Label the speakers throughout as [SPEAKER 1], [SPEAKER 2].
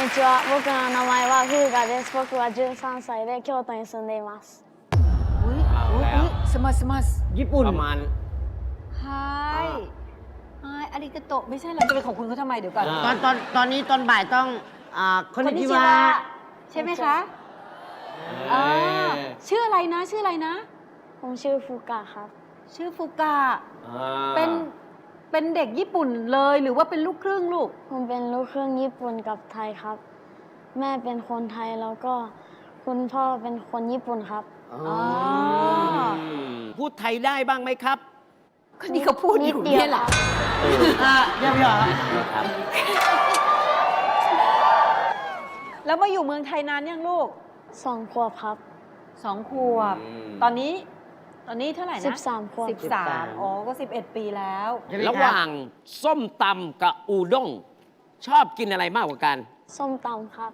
[SPEAKER 1] にちは。僕の名前はフーガです。僕は13歳で京都に住んでいます。
[SPEAKER 2] อุ้ย
[SPEAKER 3] เอา
[SPEAKER 2] อุ้ย
[SPEAKER 3] แล้ว
[SPEAKER 2] สมัสสมัส
[SPEAKER 4] ญี่ปุ่น
[SPEAKER 3] ประมาณ
[SPEAKER 2] ไฮอาริกาโตะไม่ใช่เหรอจะไปขอบคุณเขาทำไมเดี๋ยวก่อน
[SPEAKER 3] อ่า
[SPEAKER 4] ตอนนี้ตอนบ่ายต้องคนนิจิวะ
[SPEAKER 2] ใช่ไหมคะอ่าชื่ออะไรนะชื่ออะไรนะ
[SPEAKER 1] ผมชื่อฟูกะครับ
[SPEAKER 2] ชื่อฟุกะ
[SPEAKER 3] อ่า
[SPEAKER 2] เป็นเด็กญี่ปุ่นเลยหรือว่าเป็นลูกครึ่งลูก
[SPEAKER 1] ผมเป็นลูกครึ่งญี่ปุ่นกับไทยครับ แม่เป็นคนไทยแล้วก็คุณพ่อเป็นคนญี่ปุ่นครับ
[SPEAKER 2] อ๋อ
[SPEAKER 3] พูดไทยได้บ้างไหมครับ
[SPEAKER 2] ก็นี่เขาพูดอยู่เนี่ยแหละ
[SPEAKER 4] เยี่ยมยอด
[SPEAKER 3] ครับ
[SPEAKER 2] แล้วมาอยู่เมืองไทยนานยังลูก
[SPEAKER 1] 2 ขวบครับ
[SPEAKER 2] 2 ขวบ ตอนนี้เท่าไหร่นะ
[SPEAKER 1] 13 ขวบ
[SPEAKER 2] 13อ๋อก็11 ปีแล้ว
[SPEAKER 3] ระหว่างส้มตำกับอูด้งชอบกินอะไรมากกว่ากัน
[SPEAKER 1] ส้มตำครับ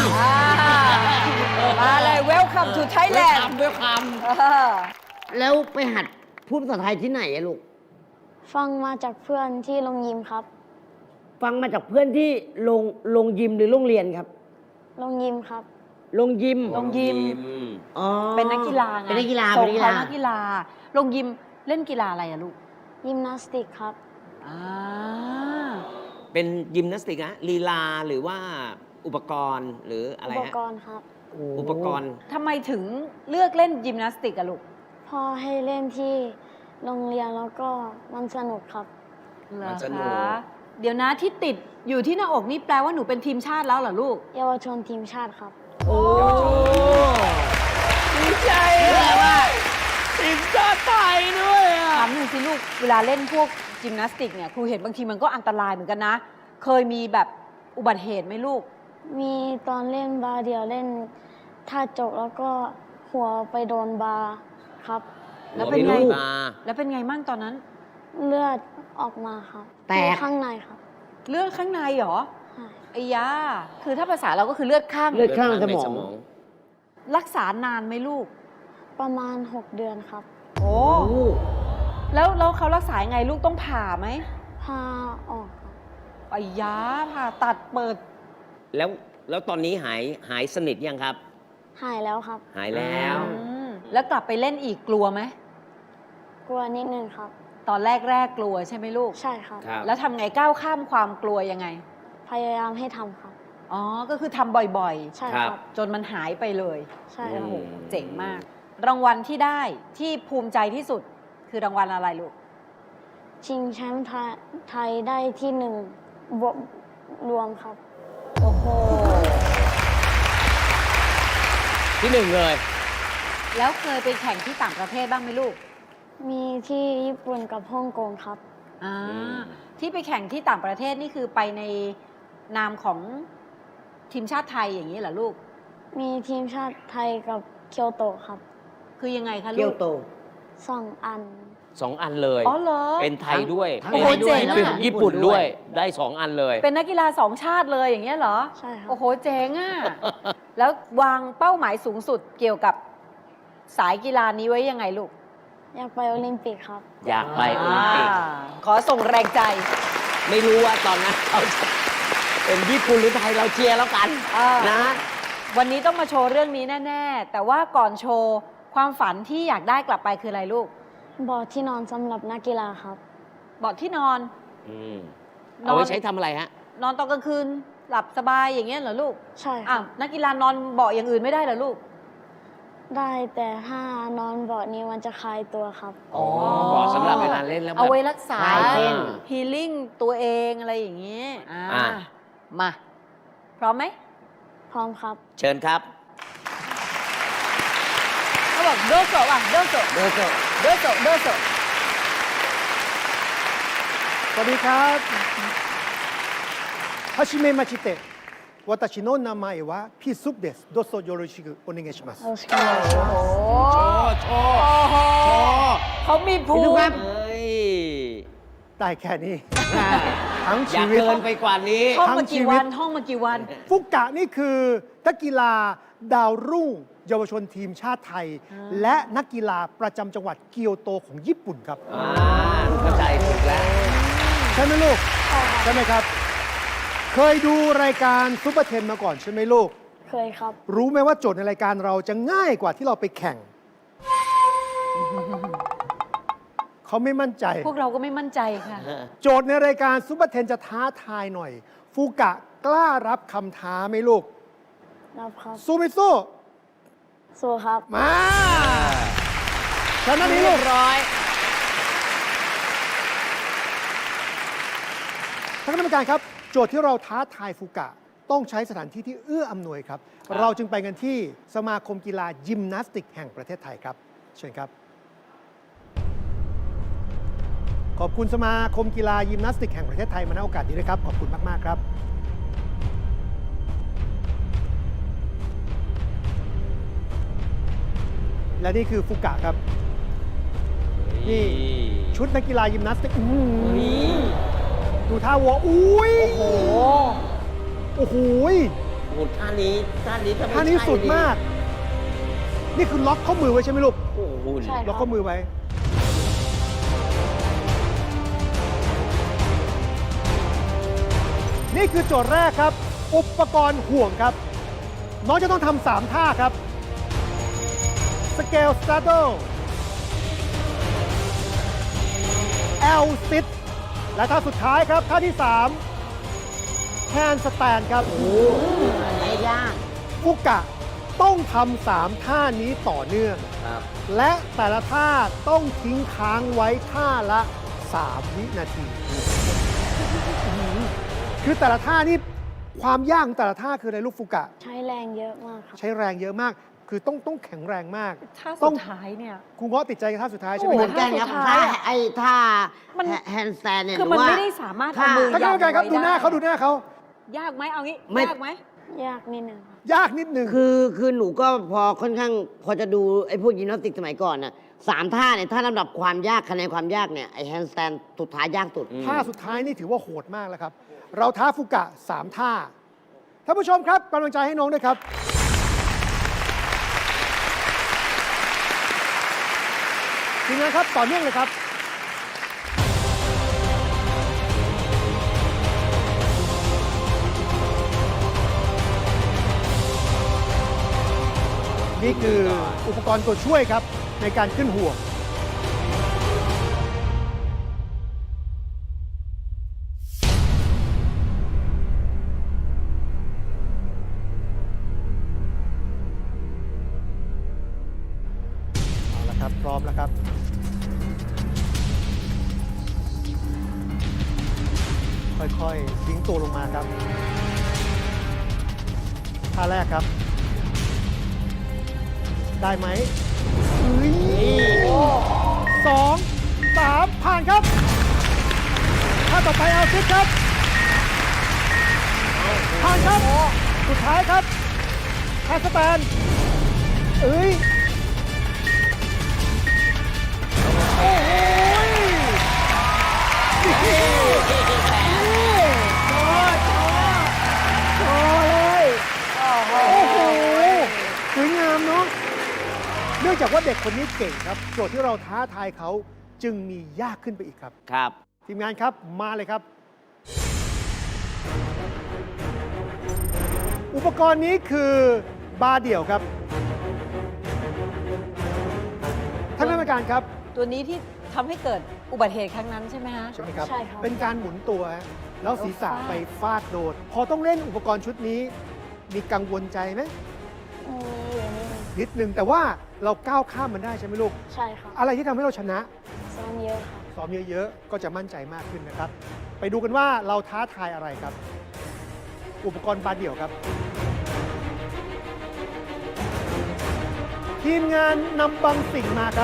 [SPEAKER 2] มาเลย Welcome to Thailand
[SPEAKER 3] เวลคัม
[SPEAKER 4] แล้วไปหัดพูดภาษาไทยที่ไหนอะลูก
[SPEAKER 1] ฟังมาจากเพื่อนที่โรงยิมครับ
[SPEAKER 4] ฟังมาจากเพื่อนที่โรงยิมหรือโรงเรียนครับ
[SPEAKER 1] โรงยิมครับ
[SPEAKER 4] โรงยิม
[SPEAKER 2] โรงยิม
[SPEAKER 4] อ๋อ
[SPEAKER 2] เป็นนักกีฬาไง
[SPEAKER 4] เป็นนักกีฬา
[SPEAKER 2] ส่
[SPEAKER 4] เป็น
[SPEAKER 2] ง
[SPEAKER 4] นักกีฬา
[SPEAKER 2] เขานักกีฬาลงยิมเล่นกีฬาอะไรอะลูก
[SPEAKER 1] ยิมนาสติกครับ
[SPEAKER 2] อ่า
[SPEAKER 3] เป็นยิมนาสติกนะลีลาหรือว่าอุปกรณ์หรืออะไร
[SPEAKER 1] อุป
[SPEAKER 3] ฮะ
[SPEAKER 1] กรณ์ครับ
[SPEAKER 3] อุปกรณ์
[SPEAKER 2] ทำไมถึงเลือกเล่นยิมนาสติกอะลูก
[SPEAKER 1] พ่อให้เล่นที่โรงเรียนแล้วก็มันสนุกครับ
[SPEAKER 2] เหรอ
[SPEAKER 3] มันสนุก
[SPEAKER 2] คะเดี๋ยวนะที่ติดอยู่ที่หน้าอกนี่แปลว่าหนูเป็นทีมชาติแล้วเหรอลูก
[SPEAKER 1] เยาวชนทีมชาติครับ
[SPEAKER 4] โอ้
[SPEAKER 3] ดีใจเลยว่าทีมชาติไทยด้วยอ่ะ
[SPEAKER 2] ถามหนึ่งสิลูก เวลาเล่นพวกยิมนาสติกเนี่ยครูเห็นบางทีมันก็อันตรายเหมือนกันนะ เคยมีแบบอุบัติเหตุไหมลูก
[SPEAKER 1] มีตอนเล่นบาร์เดียวเล่นท่าจกแล้วก็หัวไปโดนบาร์ครับ
[SPEAKER 2] แล้วเป็นไง
[SPEAKER 3] หัวมีลูกมา
[SPEAKER 2] แล้วเป็นไงมั่งตอนนั้น
[SPEAKER 1] เลือดออกมาครับ
[SPEAKER 4] แตก
[SPEAKER 1] ข้างในครับ
[SPEAKER 2] เลือดข้างในเหรอ
[SPEAKER 1] ใช่
[SPEAKER 2] ไอ้ยาคือถ้าภาษาเราก็คือเลือดข้าง
[SPEAKER 4] เลือดข้างส
[SPEAKER 3] ใน
[SPEAKER 4] มอง
[SPEAKER 2] รักษานานไหมลูก
[SPEAKER 1] ประมาณ 6 เดือนครับ
[SPEAKER 2] โอ้
[SPEAKER 4] โอ้
[SPEAKER 2] แล้วเขารักษายังไงลูกต้องผ่าไหม
[SPEAKER 1] พาออกครับ
[SPEAKER 2] ไอ้ยาผ่าตัดเปิด
[SPEAKER 3] แล้วตอนนี้หายสนิทยังครับ
[SPEAKER 1] หายแล้วครับ
[SPEAKER 3] หายแล้ว
[SPEAKER 2] แล้วกลับไปเล่นอีกกลัวไหม
[SPEAKER 1] กลัวนิดนึงครับ
[SPEAKER 2] ตอนแรกกลัวใช่ไหมลูก
[SPEAKER 1] ใช่ครับ
[SPEAKER 3] ครับ
[SPEAKER 2] แล้วทำไงก้าวข้ามความกลัวยังไง
[SPEAKER 1] พยายามให้ทำครับ
[SPEAKER 2] อ๋อ ก็คือทำบ่อย
[SPEAKER 1] ใช่
[SPEAKER 3] ค
[SPEAKER 1] ค
[SPEAKER 3] รั
[SPEAKER 1] รับ บ
[SPEAKER 2] ๆ จนมันหายไปเลย
[SPEAKER 1] ใช่
[SPEAKER 2] โอ้
[SPEAKER 1] ครับ
[SPEAKER 2] โหเจ๋งมาก รางวัลที่ได้ที่ภูมิใจที่สุดคือรางวัลอะไรลูก
[SPEAKER 1] ชิงแชมป์ไทยได้ที่1บวกรวมครับ
[SPEAKER 2] โอ้โห
[SPEAKER 3] ที่หนึ่งเลย
[SPEAKER 2] แล้วเคยไปแข่งที่ต่างประเทศบ้างไหมลูก
[SPEAKER 1] มีที่ญี่ปุ่นกับฮ่องกงครับ
[SPEAKER 2] อ่า
[SPEAKER 3] อืม
[SPEAKER 2] ที่ไปแข่งที่ต่างประเทศนี่คือไปในนามของทีมชาติไทยอย่างนี้เหรอลูก
[SPEAKER 1] มีทีมชาติไทยกับเกียวโตครับ
[SPEAKER 2] คือยังไงคะ
[SPEAKER 4] เกี
[SPEAKER 2] ลู
[SPEAKER 4] ยว
[SPEAKER 2] ก
[SPEAKER 4] โต
[SPEAKER 1] 2 อัน
[SPEAKER 3] 2 อันเลย
[SPEAKER 2] อ๋อเหรอ
[SPEAKER 3] เป็นไทยด้วย
[SPEAKER 4] ทั้ง
[SPEAKER 2] โอ้โห
[SPEAKER 3] ป็น
[SPEAKER 2] เจ๋งอะ
[SPEAKER 3] เป็นญี่ปุ่นด้วย ได้ 2 อันเลย
[SPEAKER 2] เป็นนักกีฬา2 ชาติเลยอย่างเงี้ยเหรอ
[SPEAKER 1] ใช่ครับ
[SPEAKER 2] โอ้โห เจ๋งอ่ะ แล้ววางเป้าหมายสูงสุดเกี่ยวกับสายกีฬานี้ไว้ยังไงลูก
[SPEAKER 1] อยากไปโอลิมปิกครับ
[SPEAKER 3] อยากไปโอลิมปิก
[SPEAKER 2] ขอส่งแรงใจ
[SPEAKER 3] ไม่รู้ว่าตอนนั้นเราจะเป็นญี่ปุ่นหรือไทยเราเชียร์แล้วกัน
[SPEAKER 2] อ่าน
[SPEAKER 3] นะ
[SPEAKER 2] วันนี้ต้องมาโชว์เรื่องนี้แน่ ๆ แต่ว่าก่อนโชว์ความฝันที่อยากได้กลับไปคืออะไรลูก
[SPEAKER 1] บอร์ดที่นอนสำหรับนักกีฬาครับ
[SPEAKER 2] เบาะที่นอน
[SPEAKER 3] อืม
[SPEAKER 2] นอน
[SPEAKER 3] เอาไว้ใช้ทำอะไรฮะ
[SPEAKER 2] นอนตอนกลางคืน หลับสบายอย่างเงี้ยเหรอลูก
[SPEAKER 1] ใช่ค
[SPEAKER 2] อ่ะ
[SPEAKER 1] รับ
[SPEAKER 2] นักกีฬานอนเบาะอย่างอื่นไม่ได้เหรอลูก
[SPEAKER 1] ได้แต่ถ้านอนเบาะนี้มันจะคลายตัวครับ
[SPEAKER 3] อ๋อบอกสำหรับเวลาเล่นแล้วแบบ
[SPEAKER 2] เอาไว้รักษา
[SPEAKER 4] คลายเส้น
[SPEAKER 2] ฮีลิ่งตัวเองอะไรอย่างเงี้ย
[SPEAKER 3] อ่ะ
[SPEAKER 2] มา พร้อมไหม
[SPEAKER 1] พร้อมครับ
[SPEAKER 3] เชิญครับ
[SPEAKER 2] เขาบอกโดโซอ่ะโดโซ
[SPEAKER 4] โดโซ
[SPEAKER 2] โดโซโดโซ
[SPEAKER 5] สวัสดีครับはじめまして私の名前はピースプですどうぞよろしくお願いします
[SPEAKER 1] よろしくお願いします
[SPEAKER 3] โชว์โชว์
[SPEAKER 2] โอ้โห
[SPEAKER 3] โชว์
[SPEAKER 2] เขามีภู
[SPEAKER 4] พี่ลูกครั
[SPEAKER 2] มิ
[SPEAKER 4] บ
[SPEAKER 3] เฮ้ย
[SPEAKER 5] ได้แค่นี้ทั้ง
[SPEAKER 3] อ
[SPEAKER 5] ชี
[SPEAKER 3] ยาก
[SPEAKER 5] วิต
[SPEAKER 3] เกินไปกว่านี้
[SPEAKER 2] ท่องมา
[SPEAKER 5] ทั้งชี
[SPEAKER 2] กี่
[SPEAKER 5] วิ
[SPEAKER 2] วั
[SPEAKER 5] ต
[SPEAKER 2] นท่องมากี่วัน
[SPEAKER 5] ฟุกะนี่คือนักกีฬาดาวรุ่งเยาวชนทีมชาติไทย และนักกีฬาประจำจังหวัดเกียวโตของญี่ปุ่นครับ
[SPEAKER 3] เข้าใจถูกแล้ว
[SPEAKER 5] ใช่ไหมลูก ใช่ไหมครับเคยดูรายการซุปเปอร์เทนมาก่อนใช่ไหมลูก
[SPEAKER 1] เคยครับ
[SPEAKER 5] รู้ไหมว่าโจทย์ในรายการเราจะง่ายกว่าที่เราไปแข่ง เขาไม่มั่นใจ
[SPEAKER 2] พวกเราก็ไม่มั่นใจค่ะ
[SPEAKER 5] โจทย์ในรายการซุปเปอร์เทนจะท้าทายหน่อย ฟูกะกล้ารับคำท้าไหมลูก
[SPEAKER 1] รับครับ
[SPEAKER 5] สู้ไม่สู้
[SPEAKER 1] สู้ครับ
[SPEAKER 5] มาชนะนี้ลูก
[SPEAKER 2] ร้อย
[SPEAKER 5] ท่านคณะกรรมการครับ โจทย์ที่เราท้าทายฟูกะต้องใช้สถานที่ที่เอื้ออำนวยครับ เราจึงไปกันที่สมาคมกีฬายิมนาสติกแห่งประเทศไทยครับ เชิญครับ ขอบคุณสมาคมกีฬายิมนาสติกแห่งประเทศไทยมาณโอกาสนี้ด้วยครับ ขอบคุณมาก ๆ ครับ และนี่คือฟูกะครับ นี่ชุดนักกีฬายิมนาสติกดูท่าวัวอุ้ย
[SPEAKER 2] โอ้โห
[SPEAKER 5] โอ้โห
[SPEAKER 3] โอ้โหท่านี้ถ้าไม่
[SPEAKER 5] ท่านี้
[SPEAKER 3] ใช่
[SPEAKER 5] สุดมาก นี่คือล็อกข้อมือไว้ใช่ไหมลูก
[SPEAKER 3] โอ้โห
[SPEAKER 1] ใช่
[SPEAKER 5] ล็อกข้อมือไว้ นี่คือโจทย์แรกครับ อุปกรณ์ห่วงครับ น้องจะต้องทำ3ท่าครับ Scale Straddle L Sit และท่าสุดท้ายครับ ท่าที่ 3 Hand Stand ครับ
[SPEAKER 3] ไม่ยาก
[SPEAKER 5] ฟุกะต้องทำ3ท่านี้ต่อเนื่อง
[SPEAKER 3] ครับ
[SPEAKER 5] และแต่ละท่าต้องทิ้งค้างไว้ท่าละ 3 วินาที คือแต่ละท่านี่ความยากของแต่ละท่าคืออะไรลูกฟุกะ
[SPEAKER 1] ใช้แรงเยอะมากครับ
[SPEAKER 5] ใช้แรงเยอะมาก คือต้องแข็งแรงมาก
[SPEAKER 2] ท่า
[SPEAKER 5] ต้
[SPEAKER 2] สุ
[SPEAKER 5] อง
[SPEAKER 2] ดท้ายเนี่ย
[SPEAKER 5] ครูเงาะติดใจกับท่าสุดท้ายใช่ไหม
[SPEAKER 2] โอ้
[SPEAKER 4] เห
[SPEAKER 2] โ
[SPEAKER 4] มือนกันครับ
[SPEAKER 2] ท่าสุดท้ายอะ
[SPEAKER 4] ไอ้ท่า
[SPEAKER 2] มัน
[SPEAKER 4] แฮนด์สแตนเนี่ย
[SPEAKER 2] คือ
[SPEAKER 4] หรื
[SPEAKER 2] มัน
[SPEAKER 4] ว่า
[SPEAKER 2] ไม่ได้สามารถเอา
[SPEAKER 4] ท่า
[SPEAKER 2] มือ
[SPEAKER 5] ท่านกรรมการครับ
[SPEAKER 2] ยั
[SPEAKER 5] ดู
[SPEAKER 2] ง
[SPEAKER 5] หน้า
[SPEAKER 2] ไว้
[SPEAKER 5] เขาดูหน้าเขา
[SPEAKER 2] ยากไหมเอางี้
[SPEAKER 4] ไม่
[SPEAKER 2] ยากไหม
[SPEAKER 1] ยากนิดนึงครับ
[SPEAKER 5] ยากนิดนึง
[SPEAKER 4] คือหนูก็พอค่อนข้างพอจะดูไอ้พวกยิมนาสติกสมัยก่อนน่ะ3 ท่าเนี่ยถ้าลำดับความยากคะแนนความยากเนี่ยไอ้แฮนด์สแตนสุดท้ายยากสุด
[SPEAKER 5] ท่าสุดท้ายนี่ถือว่าโหดมากแล้วครับ เราท้าฟุกะ 3 ท่า ท่านผู้ชมครับกำลังใจให้น้องด้วยครับ ทีมงานครับ ต่อเนื่องเลยครับ นี่คืออุปกรณ์ตัวช่วยครับ ในการขึ้นห่วง เอาละครับ พร้อมแล้วครับ ค่อยๆทิ้งตัวลงมาครับ ท่าแรกครับ ได้ไหม2 3 ผ่านครับ ท่าต่อไปเอาซิดครับ ผ่านครับ สุดท้ายครับแฮนด์สแตนโอ้โหเลยโอ้โหสวยงามเนาะ เนื่องจากว่าเด็กคนนี้เก่งครับ โจทย์ที่เราท้าทายเขาจึงมียากขึ้นไปอีกครับ
[SPEAKER 3] ครับ
[SPEAKER 5] ทีมงานครับมาเลยครับ อุปกรณ์นี้คือบาร์เดี่ยวครับท่านคณะกรรมการครับ
[SPEAKER 2] ตัวนี้ที่ทำให้เกิดอุบัติเหตุครั้งนั้นใช่ไหมฮะ
[SPEAKER 5] ใช่ไหมครับ
[SPEAKER 1] ใช่ครับ
[SPEAKER 5] เป็นการหมุนตัวฮะแล้วศีรษะไปฟาดโดน พอต้องเล่นอุปกรณ์ชุดนี้ มีกังวลใจไหม
[SPEAKER 1] มีอยู่นิดนึง
[SPEAKER 5] นิดนึงแต่ว่าเราก้าวข้ามมันได้ใช่ไหมลูก
[SPEAKER 1] ใช่ครับ
[SPEAKER 5] อะไรที่ทำให้เราชนะ
[SPEAKER 1] ซ้อมเยอะครับ
[SPEAKER 5] ซ้อมเยอะๆ ก็จะมั่นใจมากขึ้นนะครับ ไปดูกันว่าเราท้าทายอะไรครับ อุปกรณ์บาร์เดี่ยวครับ ทีมงานนำบางสิ่งมาครับ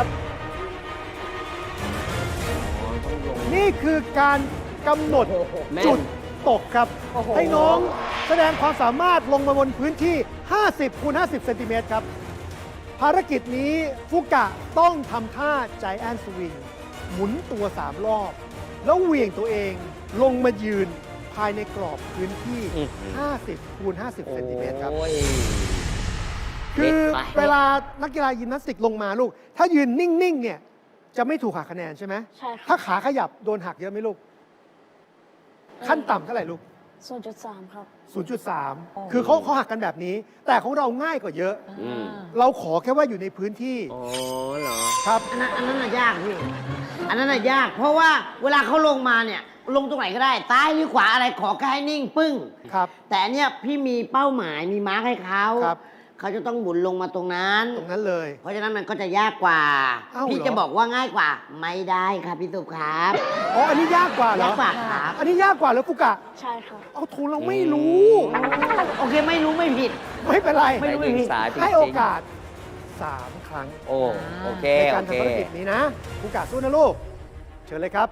[SPEAKER 5] นี่คือการกำหนด
[SPEAKER 3] แม่น
[SPEAKER 5] จุดตกครับ
[SPEAKER 2] โอ้โห
[SPEAKER 5] ให้น้องแสดงความสามารถลงมาบนพื้นที่ 50 คูณ 50 เซนติเมตรครับ ภารกิจนี้ฟุกะต้องทำท่าใจแอนสวิง หมุนตัว 3 รอบ แล้วเหวี่ยงตัวเองลงมายืนภายในกรอบพื้นที่ 50 คูณ 50 เซนติเมตรครับ
[SPEAKER 3] โอ้ย
[SPEAKER 5] คือ
[SPEAKER 3] เด็ดไป
[SPEAKER 5] เวลานักกีฬายิมนาสติกลงมาลูก ถ้ายืนนิ่ง ๆ เนี่ย จะไม่ถูกหักคะแนนใช่ไหม
[SPEAKER 1] ใช่ครั
[SPEAKER 5] ถ้า
[SPEAKER 1] บ
[SPEAKER 5] ขาขยับโดนหักเยอะไหมลูก ขั้นต่ำเท่าไหร่ลูก
[SPEAKER 1] 0.3 ครับ
[SPEAKER 5] 0.3 คือเขาหักกันแบบนี้ แต่ของเราง่ายกว่าเยอะ
[SPEAKER 3] อืม
[SPEAKER 5] เราขอแค่ว่าอยู่ในพื้นที่
[SPEAKER 3] อ๋อเหรอ
[SPEAKER 5] ครับ
[SPEAKER 4] อันนั้นน่ะยากพี่ อันนั้นน่ะยาก เพราะว่าเวลาเขาลงมาเนี่ย ลงตรงไหนก็ได้ ซ้ายหรือขวาอะไรขอแค่ให้นิ่งปึ้ง
[SPEAKER 5] ครับ
[SPEAKER 4] แต่อันเนี้ยพี่มีเป้าหมายมีมาร์คให้เขา
[SPEAKER 5] ครับ
[SPEAKER 4] เขาจะต้องหมุนลงมาตรงนั้น
[SPEAKER 5] ตรงนั้นเลย
[SPEAKER 4] เพราะฉะนั้นมันก็จะยากกว่า
[SPEAKER 5] เอ้าเหรอ
[SPEAKER 4] พี่จะบอกว่าง่ายกว่า ไม่ได้ครับพี่สุครับ
[SPEAKER 5] อ๋อ อันนี้ยากกว่าเหร
[SPEAKER 4] ยา
[SPEAKER 5] อ
[SPEAKER 4] กกว่าครับ
[SPEAKER 5] อันนี้ยากกว่าแล้วฟุกะ
[SPEAKER 1] ใช่ครับ
[SPEAKER 5] เอาถูกเราไม่รู้
[SPEAKER 4] โอเคไม่รู้ไม่ผิด
[SPEAKER 5] ไม่เป็นไร
[SPEAKER 4] ไม่รู้ไม่ผิด
[SPEAKER 3] สายจริงๆ
[SPEAKER 5] ให้โอกาส 3 ครั้ง
[SPEAKER 3] โอ้โอเค
[SPEAKER 5] ในการ
[SPEAKER 3] โอเค
[SPEAKER 5] ทำภารกิจนี้นะฟุกะสู้นะลูก เชิญเลยครับ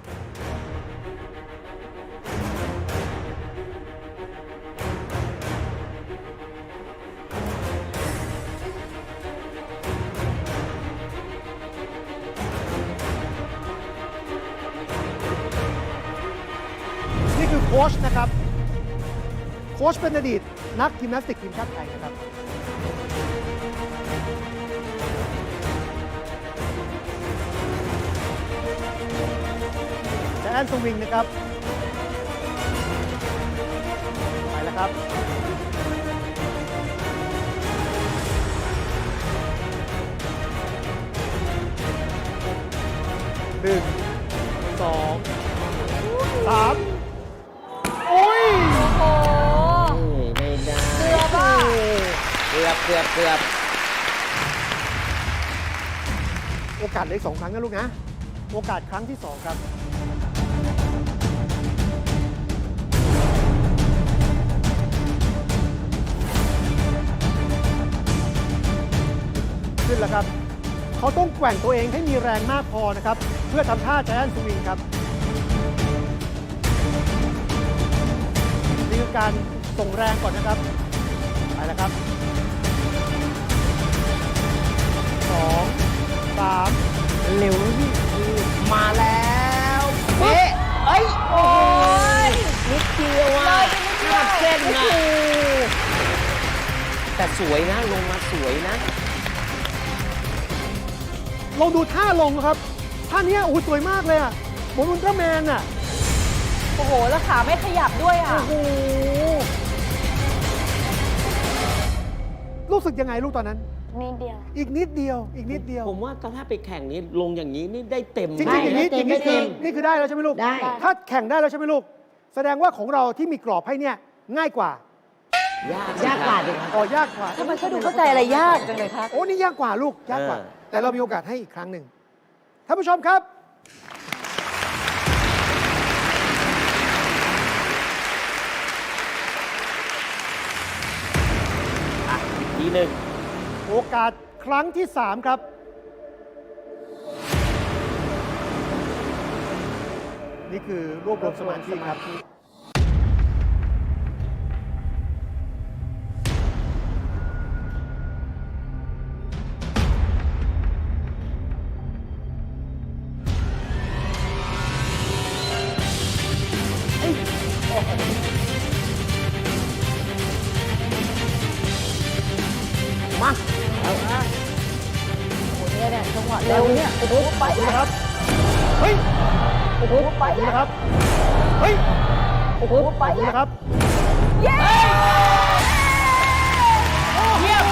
[SPEAKER 5] นี่คือโค้ชนะครับ โค้ชเป็นอดีตนักยิมนาสติกทีมชาติไทยนะครับ แจนสวิงนะครับ ไปแล้วครับ 1 2 3 โอ้ย
[SPEAKER 2] โอ้
[SPEAKER 3] ไม่ได้
[SPEAKER 2] เกือบอ่ะ
[SPEAKER 3] เกือบ
[SPEAKER 5] โอกาสเหลย2 ครั้งนะลูกนะ โอกาสครั้งที่ 2 ครับ ขึ้นแล้วครับ เขาต้องแกว่งตัวเองให้มีแรงมากพอนะครับ เพื่อทำท่าแจนสวิงครับ นี่คือการส่งแรงก่อนนะครับ ไปแล้วครับ 2 3
[SPEAKER 4] เร็วพี่
[SPEAKER 5] มาแล้ว
[SPEAKER 4] เป๊ะเอ้ย
[SPEAKER 2] โอ้ย
[SPEAKER 4] นิดเดียวอ่ะ
[SPEAKER 2] เลยไปนิดเดียว
[SPEAKER 4] เส้นนะ
[SPEAKER 3] แต่สวยนะลงมาสวยนะ
[SPEAKER 5] ลองดูท่าลงครับ ท่าเนี้ยโอ้โหสวยมากเลยอ่ะเหมือนอุลตร้าแมนอ่ะ
[SPEAKER 2] โอ้โห แล้วขาไม่ขยับด้วยอ่ะ
[SPEAKER 5] โอ้โห รู้สึกยังไงลูกตอนนั้น
[SPEAKER 1] นิดเดียว
[SPEAKER 5] อีกนิดเดียว อีกนิดเดียว
[SPEAKER 3] ผมว่าถ้าไปแข่งนี้ลงอย่างนี้นี่ได้เต็ม
[SPEAKER 5] จริง
[SPEAKER 4] ได้
[SPEAKER 5] ๆอย่างนี้
[SPEAKER 4] ได้
[SPEAKER 5] อย่างนี้
[SPEAKER 4] เต็
[SPEAKER 5] คือ
[SPEAKER 4] ม
[SPEAKER 5] นี่คือได้แล้วใช่ไหมลูก
[SPEAKER 4] ได้
[SPEAKER 5] ถ้าแข่งได้แล้วใช่ไหมลูก แสดงว่าของเราที่มีกรอบให้เนี่ยง่ายกว่า
[SPEAKER 4] ยากกว่าดิครับ
[SPEAKER 5] อ๋อยากกว่า
[SPEAKER 2] ทำไมเขาดูเข้าใจอะไรยากจังเลยคะ
[SPEAKER 5] โอ้นี่ยากกว่าลูก ยากกว่า แต่เรามีโอกาสให้อีกครั้งหนึ่งท่านผู้ชมครับ
[SPEAKER 3] ทีหนึ่ง
[SPEAKER 5] โอกาสครั้งที่ 3 ครับ นี่คือรวบรวมสมาธิครับ
[SPEAKER 4] มา
[SPEAKER 2] โอ้โหเนี่ยจังหวะเร็วเนี่ย โอ้โหไป
[SPEAKER 5] ขอบคุณนะครับ เฮ้ย
[SPEAKER 2] โอ้โหไป
[SPEAKER 5] ขอบคุณนะครับ เฮ้ย
[SPEAKER 2] โอ้โหไป
[SPEAKER 5] ขอบคุณนะครับ
[SPEAKER 2] เย้
[SPEAKER 5] เยี่ยม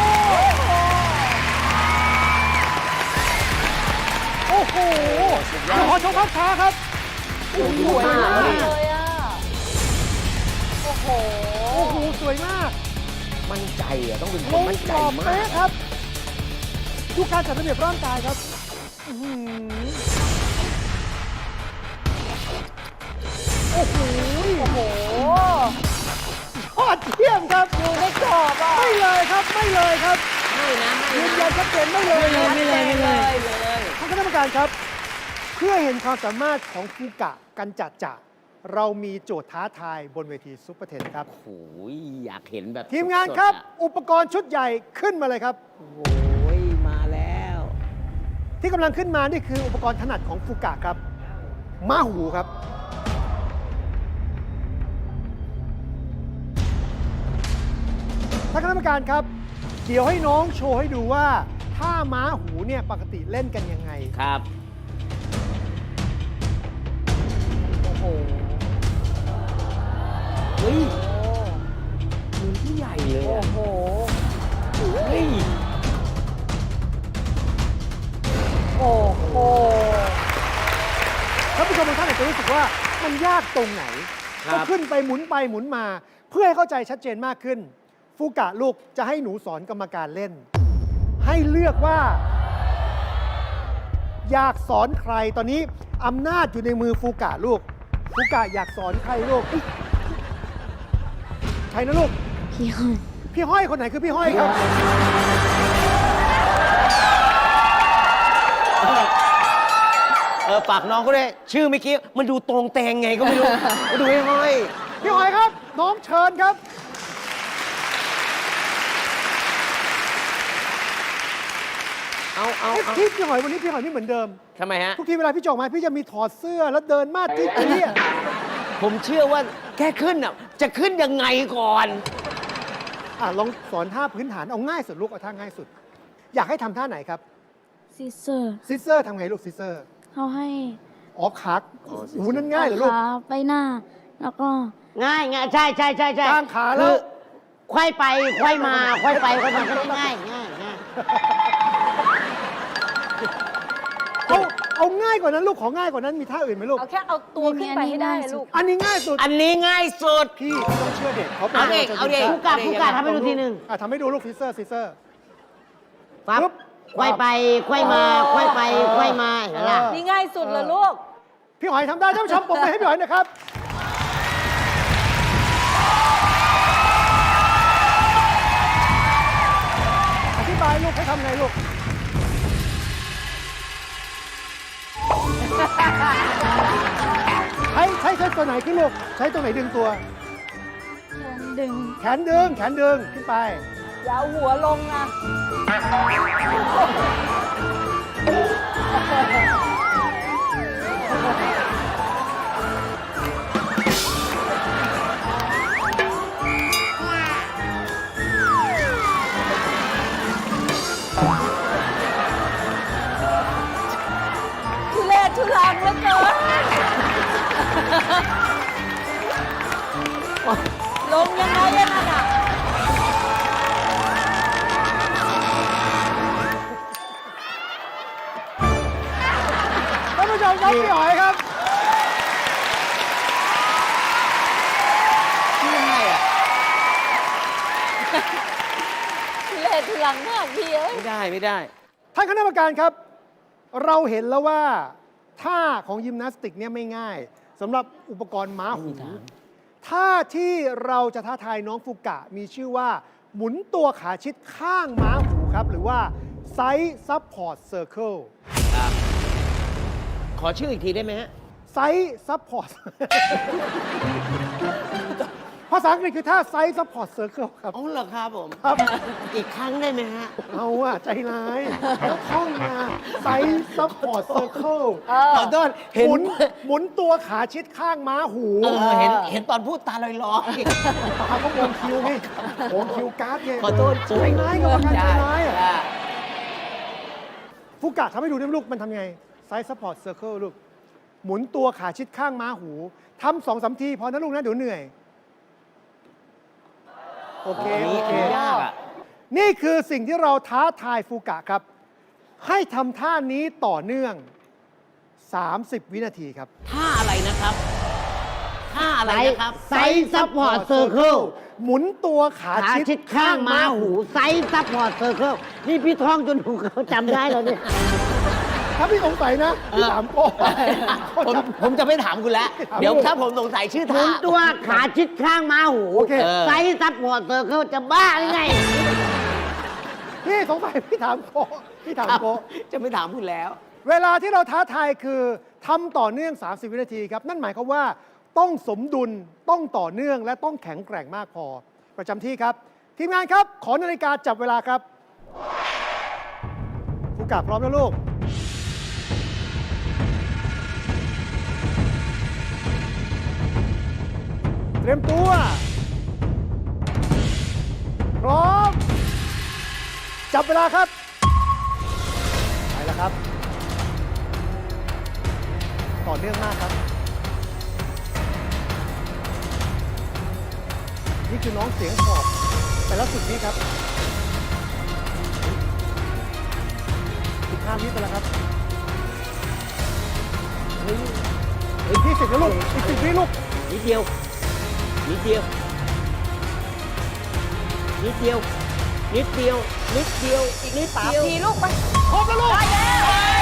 [SPEAKER 5] โอ้โหขอชมภาพช้าครับ
[SPEAKER 2] สวยมากเลยอ่ะ โอ้โห
[SPEAKER 5] โอ้โห สวยมาก
[SPEAKER 3] มั่นใจอ่ะต้องเป็นค
[SPEAKER 5] ล
[SPEAKER 3] น
[SPEAKER 5] ง
[SPEAKER 3] มั่นใจ
[SPEAKER 5] กรอบ
[SPEAKER 3] มา
[SPEAKER 5] เป๊ะ
[SPEAKER 3] ก
[SPEAKER 5] ครับ ดูการจัดระเบียบร่างกายครับอื้อหือโอ้โห
[SPEAKER 2] โอ้โห
[SPEAKER 5] ยอดเยี่ยมครับ
[SPEAKER 2] อยู่ในกรอบอ่ะ
[SPEAKER 5] ไม่เลยครับ ไม่เลยครับ
[SPEAKER 4] ไม่นะไม่
[SPEAKER 5] ยืน
[SPEAKER 4] นะ
[SPEAKER 5] ยันชัดเจนไม่เลย
[SPEAKER 4] ไม่เลยไม่เลย
[SPEAKER 5] ท่านคณะกรรมการครับ เพื่อเห็นความสามารถของฟูกะกันจัดจะเรามีโจทย์ท้าทายบนเวทีซุปเปอร์เทนครับ
[SPEAKER 3] โอ้โหอยากเห็นแบบ
[SPEAKER 5] ทีมงาน
[SPEAKER 3] สดๆ
[SPEAKER 5] ครับ
[SPEAKER 3] อะ
[SPEAKER 5] อุปกรณ์ชุดใหญ่ขึ้นมาเลยครับ
[SPEAKER 3] โอ้ยมาแล้ว
[SPEAKER 5] ที่กำลังขึ้นมานี่คืออุปกรณ์ถนัดของฟูกะครับม้าหูครับ ท่านคณะกรรมการครับ เดี๋ยวให้น้องโชว์ให้ดูว่าถ้าม้าหูเนี่ยปกติเล่นกันยังไง
[SPEAKER 3] ครับ
[SPEAKER 2] โอ้โห
[SPEAKER 5] ชมบางท่านอาจจะรู้สึกว่ามันยากตรงไหน
[SPEAKER 3] ครับ
[SPEAKER 5] ก็ขึ้นไปหมุนไปหมุนมา เพื่อให้เข้าใจชัดเจนมากขึ้น ฟูกะลูกจะให้หนูสอนกรรมการเล่น ให้เลือกว่า อยากสอนใครตอนนี้อำนาจอยู่ในมือฟูกะลูก ฟูกะอยากสอนใครลูกใครนะลูก
[SPEAKER 1] พี่ห้อย
[SPEAKER 5] พี่ห้อยคนไหนคือพี่ห้อยครับ
[SPEAKER 3] ฝากน้องเขาด้วยชื่อเมื่อกี้มันดูตรงแตงไงก็ไม่รู้ มาดูให้ห้อย
[SPEAKER 5] พี่ห้อยครับ น้องเชิญครับ
[SPEAKER 3] เอา
[SPEAKER 5] พี่หอยวันนี้พี่หอยไม่เหมือนเดิม
[SPEAKER 3] ทำไมฮะ
[SPEAKER 5] ทุกทีเวลาพี่จออกมาพี่จะมีถอดเสื้อแล้วเดินมาที่นี่
[SPEAKER 3] ผมเชื่อว่าแค่ขึ้นอ่ะจะขึ้นยังไงก่อน
[SPEAKER 5] ลองสอนท่าพื้นฐานเอาง่ายสุดลูกเอาท่าง่ายสุด อยากให้ทำท่าไหนครับ
[SPEAKER 1] ซิสเซอร์
[SPEAKER 5] ซิสเซอร์ทำไงลูกซิสเซอร์
[SPEAKER 1] เขาให้
[SPEAKER 5] อ๋อขาหูนั่นง่ายเหรอลูก
[SPEAKER 1] ขาไปหน้า แล้วก็
[SPEAKER 4] ง่ายง่ายใช่ใช่ใช่ใช่
[SPEAKER 5] กางขาแล้ว
[SPEAKER 4] คือควายไปควายมาควายไปควายมาก็ง่ายง่ายง่าย
[SPEAKER 5] เอาง่ายกว่านั้นลูกของ่ายกว่านั้นมีท่าอื่นไหมลูก
[SPEAKER 2] เอาแค่เอาตัวขึ้นไปให้ได้ลูก
[SPEAKER 5] อันนี้ง่ายสุด
[SPEAKER 3] อันนี้ง่ายสุด
[SPEAKER 5] พี่ต้องเชื่อเด็กเขา
[SPEAKER 3] เอาเด็กเอาเด็ก
[SPEAKER 4] ฟูกะฟูกะทำให้ดูทีหนึ่ง
[SPEAKER 5] ทำให้ดูลูกซิสเซอร์ซิสเซอร์
[SPEAKER 4] ปั๊บ
[SPEAKER 5] ปึ๊บ
[SPEAKER 4] ควายไปควายมาควายไปควายมาเห็นไหมล่ะ
[SPEAKER 2] นี่ง่ายสุดเลยลูก
[SPEAKER 5] พี่หอยทำได้ท่านผู้ชมปรบมือให้พี่หอยนะครับ อธิบายลูกให้ทำไงลูก ใช้ตัวไหนขึ้นลูก ใช้ตัวไหนดึงตัว
[SPEAKER 1] ดึง
[SPEAKER 5] แขนดึงขึ้นไป
[SPEAKER 2] อย่าเอาหัวลงนะ ทุเรศทุลังเหลือเกิน ลงยังไงอะนั่นอะ
[SPEAKER 5] ท่านผู้ชมครับพี่หอยครับ
[SPEAKER 3] ชื่อง่ายอ่ะ
[SPEAKER 2] ทุเรศทุลังมากพี่เอ้ย
[SPEAKER 3] ไม่ได้
[SPEAKER 5] ท่านคณะกรรมการครับ เราเห็นแล้วว่าท่าของยิมนาสติกเนี่ยไม่ง่ายสำหรับอุปกรณ์ม้าหูท่าที่เราจะท้าทายน้องฟูกะมีชื่อว่า หมุนตัวขาชิดข้างม้าหูครับ หรือว่า Side Support Circle
[SPEAKER 3] ขอชื่ออีกทีได้ไหมฮะ
[SPEAKER 5] Side Support ภาษาอังกฤษคือท่า Side Support Circle ครับ
[SPEAKER 3] อ๋อเหรอครับผม
[SPEAKER 5] ครับ
[SPEAKER 3] อีกครั้งได้ไหมฮะ
[SPEAKER 5] เอาอะใจร้ายแล้วท่องมา Side Support Circle
[SPEAKER 3] ขอโทษเห็น
[SPEAKER 5] หมุนตัวขาชิดข้างม้าหู
[SPEAKER 3] เห็นตอนพูดตาลอย
[SPEAKER 5] เขาก็วงคิวไงวงคิวการ์ดไง
[SPEAKER 3] ๆขอโทษ
[SPEAKER 5] ใจร้ายกับการใจร้ายอะ
[SPEAKER 3] ได้
[SPEAKER 5] ฟูกะทำให้ดูได้ไหมลูกมันทำไง Side Support Circle ลูก หมุนตัวขาชิดข้างม้าหูทำ2-3 ทีพอนะลูกนะเดี๋ยวเหนื่อย โอเค โอเค
[SPEAKER 3] ยากอ่ะ
[SPEAKER 5] นี่คือสิ่งที่เราท้าทายฟูกะครับ ให้ทำท่านี้ต่อเนื่อง 30 วินาทีครับ
[SPEAKER 3] ท่าอะไรนะครับ ท่าอะไรนะครับ
[SPEAKER 4] ไซส์ซัพพอร์ตเซอร์เคิล
[SPEAKER 5] หมุนตัวขา
[SPEAKER 4] ขา
[SPEAKER 5] ชิ
[SPEAKER 4] ชิ
[SPEAKER 5] ด
[SPEAKER 4] ดข้างม้าหูไซส์ซัพพอร์ตเซอร์เคิลนี่พี่ท้องจนหูเขาจำได้แล้วเนี่ย
[SPEAKER 5] ถ้าพี่สงสัยนะพี่ถามโก้
[SPEAKER 3] ผมจะไม่ถามคุณแล้ว เดี๋ยวถ้าผมสงสัยชื่อ
[SPEAKER 4] หมุ
[SPEAKER 3] ท่า
[SPEAKER 4] นตัวขาชิดข้างม้าหู
[SPEAKER 5] โอเค
[SPEAKER 4] ไซส์ซัพพอร์ตเซอร์เคิลจะบ้าหรือไง
[SPEAKER 5] พี่สงสัยพี่ถามโก้พี่ถามโก้
[SPEAKER 3] จะไม่ถามคุณแล้ว
[SPEAKER 5] เวลาที่เราท้าทายคือทำต่อเนื่อง 30 วินาทีครับ นั่นหมายความว่าต้องสมดุลต้องต่อเนื่องและต้องแข็งแกร่งมากพอ ประจำที่ครับ ทีมงานครับ ขอนาฬิกาจับเวลาครับฟูกะพร้อมแล้วลูก เตรียมตัว พร้อม จับเวลาครับ ไปแล้วครับ ต่อเนื่องมากครับ นี่คือน้องเสียงขอบแต่ละสุดนี้ครับ15 วิไปแล้วครับ 30แล้วลูกอีก10 วิลูก
[SPEAKER 3] นิดเดียว นิดเดียว นิดเดียว นิดเดียว นิดเดียว
[SPEAKER 2] อีก
[SPEAKER 3] นิด
[SPEAKER 2] 3
[SPEAKER 3] เดียว
[SPEAKER 2] ทีลูกไป
[SPEAKER 5] ครบแล้วลูก
[SPEAKER 2] ได้แล้ว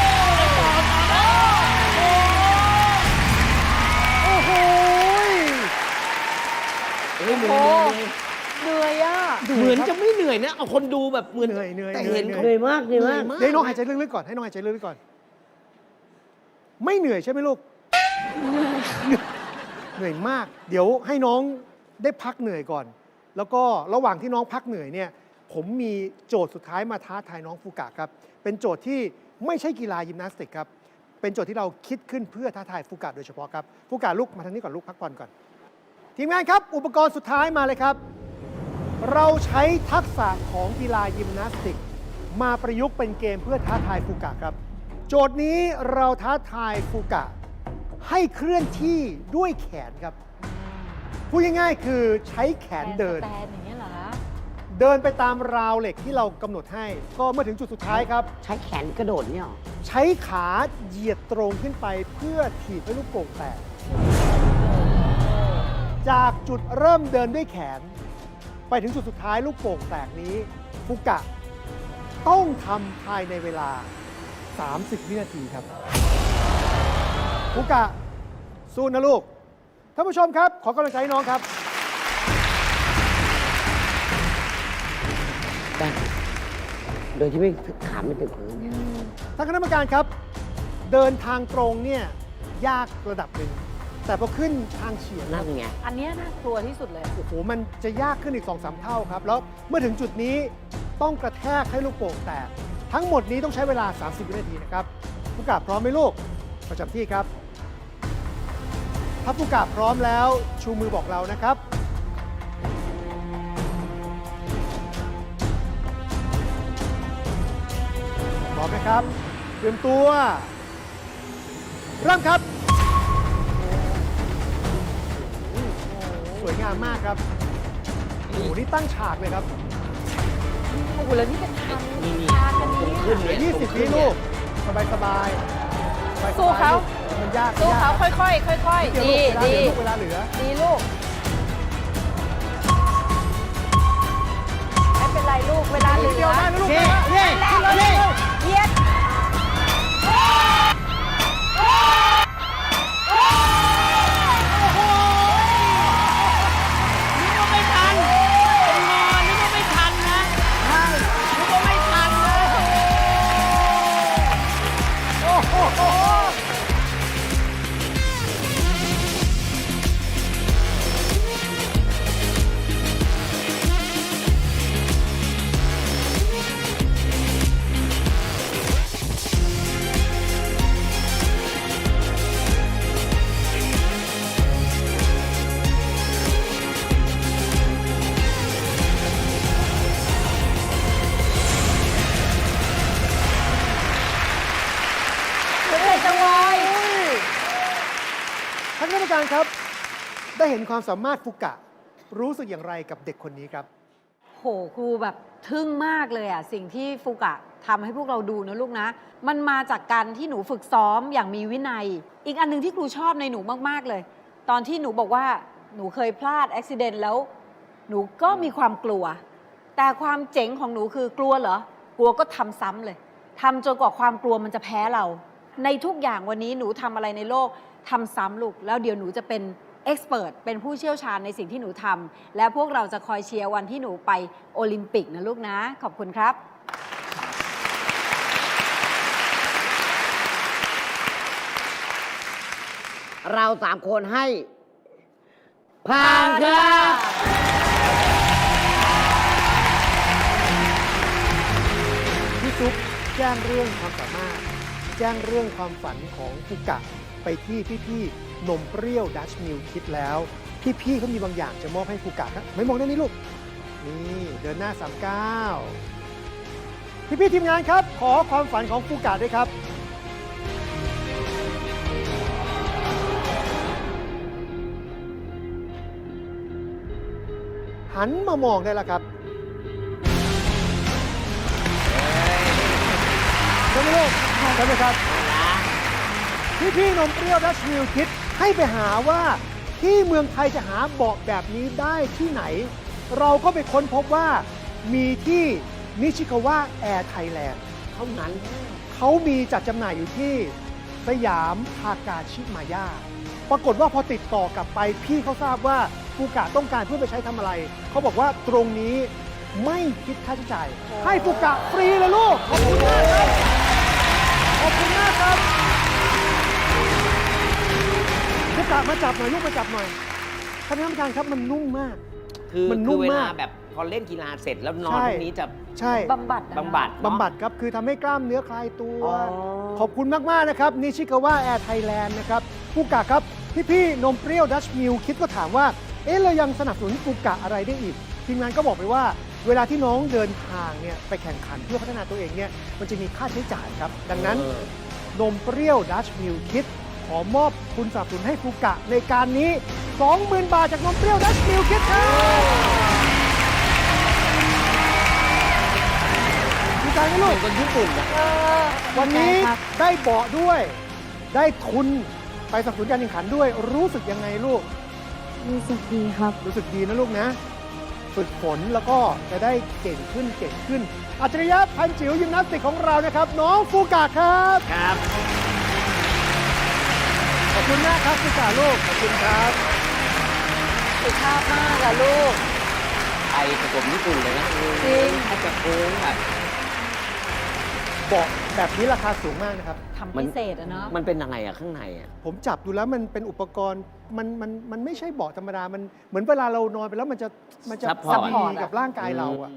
[SPEAKER 5] โอ้โห
[SPEAKER 3] เฮ้ยเหนื่
[SPEAKER 2] โอ้
[SPEAKER 3] อยเหนื่อย
[SPEAKER 2] เหนื่อยอ่ะ
[SPEAKER 3] เหมือนจะไม่เหนื่อยนะ เอาคนดูแบบเหมือน
[SPEAKER 5] เหนื่อยเหนื่อย
[SPEAKER 3] แต่
[SPEAKER 5] เหนื่อย
[SPEAKER 3] เห็น
[SPEAKER 5] เหนื่
[SPEAKER 3] เขา
[SPEAKER 4] เหนื่อยมากเหนื่อยมาก
[SPEAKER 5] เดี๋ยวให้น้องหายใจลึกๆก่อนให้น้องหายใจลึกๆก่อน ไม่เหนื่อยใช่ไหมลูก เหนื่อยมาก เดี๋ยวให้น้องได้พักเหนื่อยก่อน แล้วก็ระหว่างที่น้องพักเหนื่อยเนี่ยผมมีโจทย์สุดท้ายมาท้าทายน้องฟูกะครับ เป็นโจทย์ที่ไม่ใช่กีฬายิมนาสติกครับ เป็นโจทย์ที่เราคิดขึ้นเพื่อท้าทายฟูกะโดยเฉพาะครับฟูกะลุกมาทางนี้ก่อนลูกพักผ่อนก่อน ทีมงานครับ อุปกรณ์สุดท้ายมาเลยครับ เราใช้ทักษะของกีฬายิมนาสติก มาประยุกต์เป็นเกมเพื่อท้าทายฟูกะครับ โจทย์นี้เราท้าทายฟูกะให้เคลื่อนที่ด้วยแขนครับ พูดง่ายๆคือใช้แขนเดิน
[SPEAKER 2] แตนอย่างเงี้ยเหรอ
[SPEAKER 5] เดินไปตามราวเหล็กที่เรากำหนดให้ ก็เมื่อถึงจุดสุดท้ายครับ
[SPEAKER 4] ใช้แขนกระโดดเนี่ยหรอ
[SPEAKER 5] ใช้ขาเหยียดตรงขึ้นไปเพื่อถีบให้ลูกโป่งแตก จากจุดเริ่มเดินด้วยแขน ไปถึงจุดสุดท้ายลูกโป่งแตกนี้ฟูกะต้องทำภายในเวลา 30 วินาทีครับฟูกะสู้นะลูก ท่านผู้ชมครับ ขอกำลังใจให้น้องครับ
[SPEAKER 4] แต่โดยที่ไม่ขาไม่ถึงพื้น
[SPEAKER 5] ท่านคณะกรรมการครับ เดินทางตรงเนี่ยยากระดับหนึ่ง แต่พอขึ้นทางเฉียง
[SPEAKER 4] นั่นไง
[SPEAKER 2] อันเนี้ยน่ากลัวที่สุดเลย
[SPEAKER 5] โอ้โห มันจะยากขึ้นอีก 2-3 เท่าครับ แล้วเมื่อถึงจุดนี้ต้องกระแทกให้ลูกโป่งแตก ทั้งหมดนี้ต้องใช้เวลา 30 วินาทีนะครับผู้กาพร้อมไหมลูก ประจำที่ครับ ถ้าผู้กาพร้อมแล้วชูมือบอกเรานะครับ พร้อมนะครับ เตรียมตัว เริ่มครับ สวยงามมากครับ โอ้โห นี่ตั้งฉากเลยครับ
[SPEAKER 2] โอ้โห แล้วนี่เป็นทาง
[SPEAKER 3] นี่
[SPEAKER 2] ทางกัน
[SPEAKER 3] ตรง
[SPEAKER 2] นี้
[SPEAKER 3] ขึ้น
[SPEAKER 5] เหลื
[SPEAKER 3] เนี่
[SPEAKER 5] อย 20 วิลูก สบายสบายสบายๆ
[SPEAKER 2] สู้เขา
[SPEAKER 5] มันยาก
[SPEAKER 2] สู้เขา
[SPEAKER 5] มันยก
[SPEAKER 2] ค่อยๆ ค่อย
[SPEAKER 5] เดี๋
[SPEAKER 2] ๆ
[SPEAKER 5] ยว
[SPEAKER 2] ดี
[SPEAKER 5] ลูกเวลาเห
[SPEAKER 2] ดี
[SPEAKER 5] ลือลูกเวลาเหลือ
[SPEAKER 2] ดีลูก ไม่เป็นไรลูก เวลาเหลื
[SPEAKER 5] เดียว
[SPEAKER 2] อ
[SPEAKER 5] ได้นะลูก
[SPEAKER 4] เย้
[SPEAKER 5] ได้
[SPEAKER 4] เย้
[SPEAKER 5] เย้
[SPEAKER 2] เยียด เหนื่อยจังเลย
[SPEAKER 5] ท่านคณะกรรมการครับ ได้เห็นความสามารถฟุกะ รู้สึกอย่างไรกับเด็กคนนี้ครับ
[SPEAKER 2] โหครูแบบทึ่งมากเลยอ่ะ สิ่งที่ฟูกะทำให้พวกเราดูนะลูกนะ มันมาจากการที่หนูฝึกซ้อมอย่างมีวินัย อีกอันหนึงที่ครูชอบในหนูมากๆเลย ตอนที่หนูบอกว่าหนูเคยพลาดอุบิเหตุแล้ว หนูก็มีความกลัว แต่ความเจ๋งของหนูคือกลัวเหรอกลัวก็ทำซ้ำเลยทำจนกว่าความกลัวมันจะแพ้เรา ในทุกอย่างวันนี้หนูทำอะไรในโลกทำซ้ำลูกแล้วเดี๋ยวหนูจะเป็นเอ็กซ์เพรสเป็นผู้เชี่ยวชาญในสิ่งที่หนูทำและพวกเราจะคอยเชียร์วันที่หนูไปโอลิมปิกนะลูกนะ ขอบคุณครับ
[SPEAKER 4] เรา3 คนให้ผ่านครับ
[SPEAKER 5] พี่ซุปแจ้งเรื่องความสามารถ แจ้งเรื่องความฝันของฟุกะ ไปที่พี่ๆนมเปรี้ยวดัชมิลคิดแล้ว พี่ๆเขามีบางอย่างจะมอบให้ฟุกะครับไม่มองด้านนี้ลูก นี่เดินหน้า 39 พี่ๆทีมงานครับ ขอความฝันของฟุกะด้วยครับ หันมามองได้แล้วครับใช่ไหมลูกใช่ไหมครับ พี่ๆนมเปรี้ยวดัชมิลคิดให้ไปหาว่าที่เมืองไทยจะหาเบาะแบบนี้ได้ที่ไหน เราก็ไปค้นพบว่ามีที่นิชิคาวะแอร์ไทยแลนด์
[SPEAKER 3] เท่านั้น
[SPEAKER 5] เขามีจัดจำหน่ายอยู่ที่สยามทากาชิมาย่าปรากฏว่าพอติดต่อกลับไปพี่เขาทราบว่าฟูกะต้องการเพื่อไปใช้ทำอะไร เขาบอกว่าตรงนี้ไม่คิดค่าใช้จ่ายให้ฟูกะฟรีเลยลูก ขอบคุณมากครับ ขอบคุณมากครับฟูกะมาจับหน่อยลูกมาจับหน่อยท่านผู้การครับมันนุ่มมาก
[SPEAKER 3] คือ
[SPEAKER 5] มันนุ่ม
[SPEAKER 3] เวลาม
[SPEAKER 5] าก
[SPEAKER 3] แบบพอเล่นกีฬาเสร็จแล้วนอน
[SPEAKER 5] ใช่
[SPEAKER 3] ตรงนี้จะ
[SPEAKER 5] ใช่
[SPEAKER 2] บำบัดอะนะ
[SPEAKER 3] บำบัดเนอะ
[SPEAKER 5] บำบัดครับ คือทำให้กล้ามเนื้อคลายตัว
[SPEAKER 3] อ๋อ
[SPEAKER 5] ขอบคุณมาก ๆ นะครับนิชิคาวะแอร์ไทยแลนด์นะครับฟูกะครับ พี่ ๆ นมเปรี้ยวดัชมิลคิดก็ถามว่า เรายังสนับสนุนฟูกะอะไรได้อีก ทีมงานก็บอกไปว่า เวลาที่น้องเดินทางเนี่ยไปแข่งขันเพื่อพัฒนาตัวเองเนี่ยมันจะมีค่าใช้จ่ายครับ ดังนั้น นมเปรี้ยวดัชมิลคิดขอมอบทุนสนับสนุนให้ฟูกะในการนี้ 20,000 บาทจากนมเปรี้ยวดัชมิลคิดครับดีใจไหมลูก
[SPEAKER 3] คนญี่ปุ่นอะ
[SPEAKER 5] วันนี้
[SPEAKER 2] ครับ
[SPEAKER 5] ได้เบาะด้วย ได้ทุนไปสนับสนุนการแข่งขันด้วย รู้สึกยังไงลูก
[SPEAKER 1] รู้สึกดีครับ
[SPEAKER 5] รู้สึกดีนะลูกนะ ฝึกฝนแล้วก็จะได้เก่งขึ้นเก่งขึ้น อัจฉริยะพันจิ๋วยิมนาสติกของเรานะครับ น้องฟูกะครับ
[SPEAKER 3] ครับ
[SPEAKER 5] ขอบคุณมากครับฟูกะลูก ขอบคุณครับ
[SPEAKER 2] สุภาพมากอะลูก
[SPEAKER 3] ไปประกบญี่ปุ่นเลยนะ
[SPEAKER 2] จริง
[SPEAKER 3] ถ้าจะโค้งแบบ
[SPEAKER 5] เบาะแบบนี้ราคาสูงมากนะครับ
[SPEAKER 2] ทำพิเศษอะเนาะ
[SPEAKER 3] มันเป็นยังไงอะข้างในอะ
[SPEAKER 5] ผมจับดูแล้วมันเป็นอุปกรณ์มันไม่ใช่เบาะธรรมดา มันเหมือนเวลาเรานอนไปแล้วมันจะดีกับร่างกายเราอะ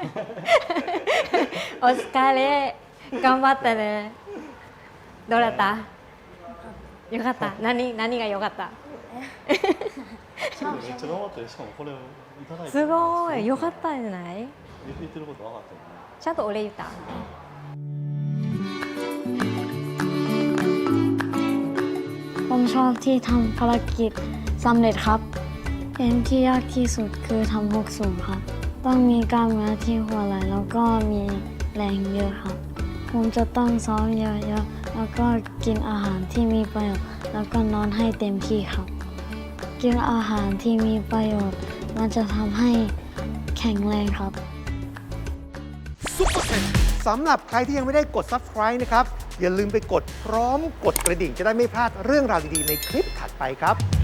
[SPEAKER 6] お疲れ頑張ったねどうだったよかった何がよかった
[SPEAKER 7] めっちゃ頑張ってしかもこれをいただいて
[SPEAKER 6] すごいよかったんじゃない
[SPEAKER 7] 言ってること分かったよね
[SPEAKER 6] ちゃんとお礼言った
[SPEAKER 1] ผมชอบที่ทำภารกิจสำเร็จครับเกมที่ยากที่สุดคือทำหกสูงครับ ต้องมีกล้ามเนื้อที่หัวไหล่แล้วก็มีแรงเยอะครับ ผมจะต้องซ้อมเยอะๆแล้วก็กินอาหารที่มีประโยชน์แล้วก็นอนให้เต็มที่ครับ กินอาหารที่มีประโยชน์มันจะทำให้แข็งแรงครับ
[SPEAKER 5] ซุปเปอร์เทนสำหรับใครที่ยังไม่ได้กด Subscribe นะครับ อย่าลืมไปกดพร้อมกดกระดิ่งจะได้ไม่พลาดเรื่องราวดี ๆ ในคลิปถัดไปครับ